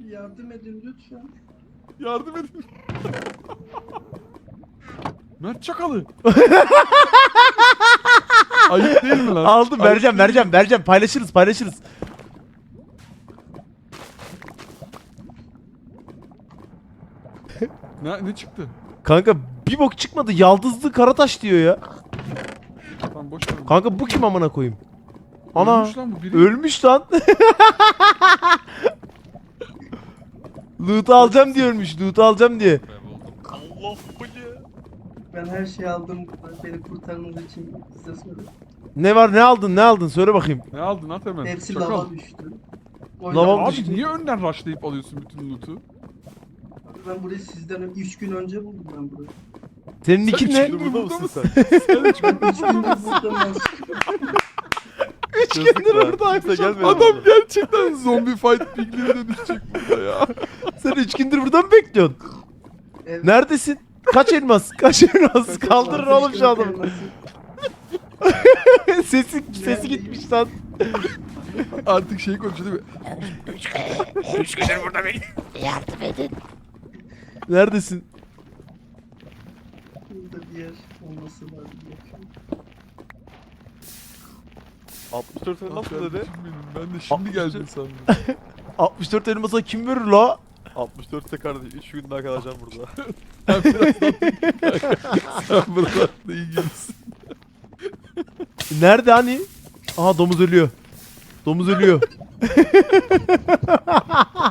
Yardım edin lütfen. Yardım edin. Mert Çakalı. Ayıp değil mi lan? Aldım, Ayıp değil mi? vereceğim. Paylaşırız. Ne çıktı? Kanka bir bok çıkmadı. Yaldızlı Karataş diyor ya. Tamam boş ver. Kanka bu kim amına koyayım? Ana. Ölmüş lan bu biri. Ölmüş lan. Loot'u alacağım diye ölmüş. Loot'u alacağım diye. Allah bu ne? Ben her şeyi aldım buradan. Beni kurtarmanız için size soruyorum. Ne var, ne aldın söyle bakayım. Ne aldın at hemen. Hepsi Çakal. lava düştü. O Lava lava Abi düştü. niye önden rushlayıp alıyorsun bütün loot'u? Abi ben burayı sizden 3 gün önce buldum ben burayı. Senin Sen nikin üç ne? gündür Burada mısın sen? Sen üç Ben 3 gündür buldum ben. 3 gündür Kimse buradaymış. gelmedi. Adam gerçekten zombi fight pigline dönüşecek burada ya. Sen 3 gündür burada mı bekliyorsun? Evet. Neredesin? Kaç elmas? Kaldırın oğlum şu adamı. Sesi gitmiş lan. Artık şey konuşuyor değil mi? Neredesin? Burada bir yer olması lazım. 64 nasıl Kardeşim dedi? benim, ben de şimdi geldim sandım. 64 elmasa kim verir la? 64'te kardeş 3 gün daha kalacağım burada. Sen sen buralarda iyi gelirsin. Nerede hani? Aha domuz ölüyor. Domuz ölüyor.